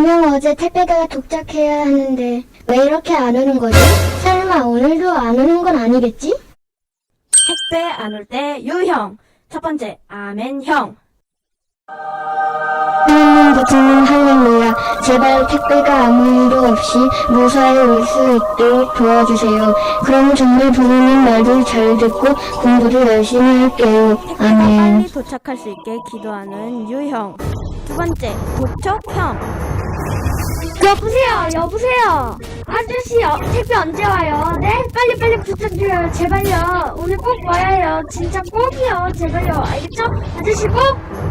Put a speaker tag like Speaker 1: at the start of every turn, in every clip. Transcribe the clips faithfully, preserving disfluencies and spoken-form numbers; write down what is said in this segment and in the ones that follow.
Speaker 1: 분명 어제 택배가 도착해야 하는데 왜 이렇게 안 오는 거지? 설마 오늘도 안 오는 건 아니겠지?
Speaker 2: 택배 안 올 때 유형. 첫 번째, 아멘형.
Speaker 1: 하나님 부처님 할렐루야. 제발 택배가 아무 일도 없이 무사히 올 수 있도록 도와주세요. 그럼 정말 부모님 말도 잘 듣고 공부도 열심히 할게요.
Speaker 2: 택배가
Speaker 1: 아멘.
Speaker 2: 빨리 도착할 수 있게 기도하는 유형. 두 번째, 독촉형.
Speaker 3: 여보세요, 여보세요. 아저씨, 어, 택배 언제 와요? 네? 빨리빨리 부탁드려요. 제발요. 오늘 꼭 와야 해요. 진짜 꼭이요. 제발요. 알겠죠? 아저씨 꼭!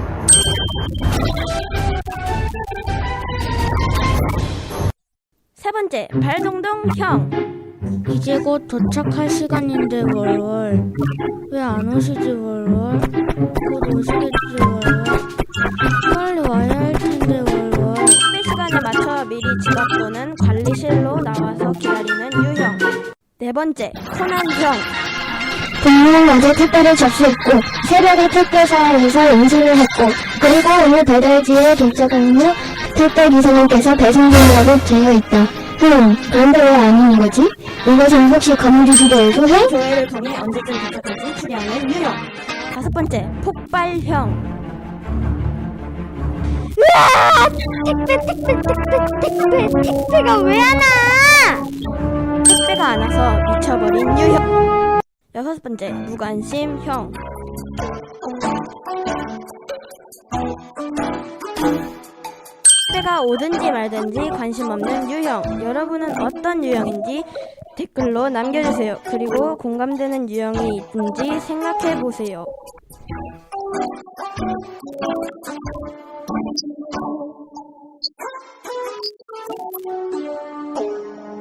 Speaker 2: 세 번째, 발동동형.
Speaker 4: 이제 곧 도착할 시간인데 월월 왜 안 오시지 월월 곧 오시겠지 월월 빨리 와야 할 텐데 월월
Speaker 2: 택배 시간에 맞춰 미리 지갑 또는 관리실로 나와서 기다리는 유형. 네 번째, 코난형.
Speaker 1: 분명 어제 택배를 접수했고 새벽에 택배사에서 인수를 했고 그리고 오늘 배달지에 도착한 후 택배 기사님께서 배송 중이라고 되어 있다. 흠, 그런데 왜 안 오는 거지? 이것은 혹시 거문지시대에서 해?
Speaker 2: 조회를 통해 언제쯤 도착할지 추리하는 유형. 다섯 번째, 폭발형.
Speaker 3: 택배, 택배, 택배, 택배, 택배가 왜 안 와?
Speaker 2: 택배가 안 와서 미쳐버린 유형. 여섯 번째, 무관심형. 택배가 오든지 말든지 관심 없는 유형. 여러분은 어떤 유형인지 댓글로 남겨주세요. 그리고 공감되는 유형이 있든지 생각해보세요.